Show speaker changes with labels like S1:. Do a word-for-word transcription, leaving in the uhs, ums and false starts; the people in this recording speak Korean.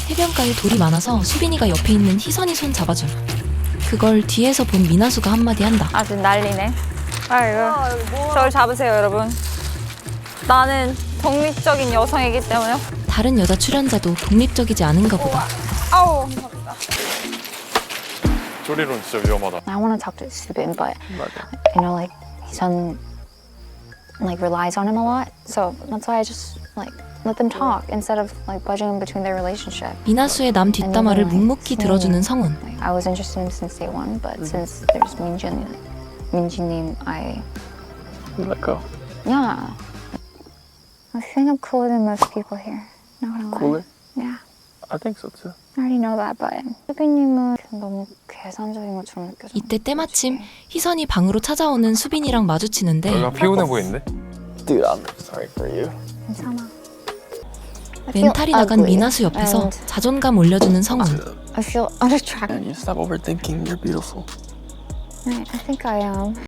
S1: 해변가에 돌이 많아서 수빈이가 옆에 있는 희선이 손 잡아줌. 그걸 뒤에서 본 미나수가 한마디 한다.
S2: 아주 난리네. 아이고. 저를 잡으세요, 여러분. 나는 독립적인 여성이기 때문에.
S1: 다른 여자 출연자도 독립적이지 않은가 보다.
S2: 아우.
S3: 쪼리론 진짜 위험하다.
S4: I want to talk to Subin, but
S3: 맞아.
S4: you know, like Hisun like relies on him a lot, so that's why I just like let them talk instead of like budging between their relationship.
S1: 미나수의 남 뒷담화를 묵묵히 들어주는 성훈.
S4: Like, I was interested in him since day one, but since there's Minjin, like, Minjin, I
S3: Let go.
S4: yeah. I think I'm cooler than most people here. Not gonna lie.
S3: Cooler?
S4: Yeah.
S3: I think so too.
S4: I already know that, but 수빈님은 너무 계산적인 것처럼 느껴져.
S1: 이때 때마침 희선이 방으로 찾아오는 수빈이랑 마주치는데
S3: 내가 피곤해 보이는데? Dude, I'm sorry for you.
S4: 괜찮아. I feel
S1: 멘탈이 나간
S4: ugly,
S1: 미나수 옆에서
S4: and
S1: 자존감 올려주는 성훈.
S4: I feel unattractive.
S3: Man, you stop overthinking. You're beautiful.
S4: I think I am.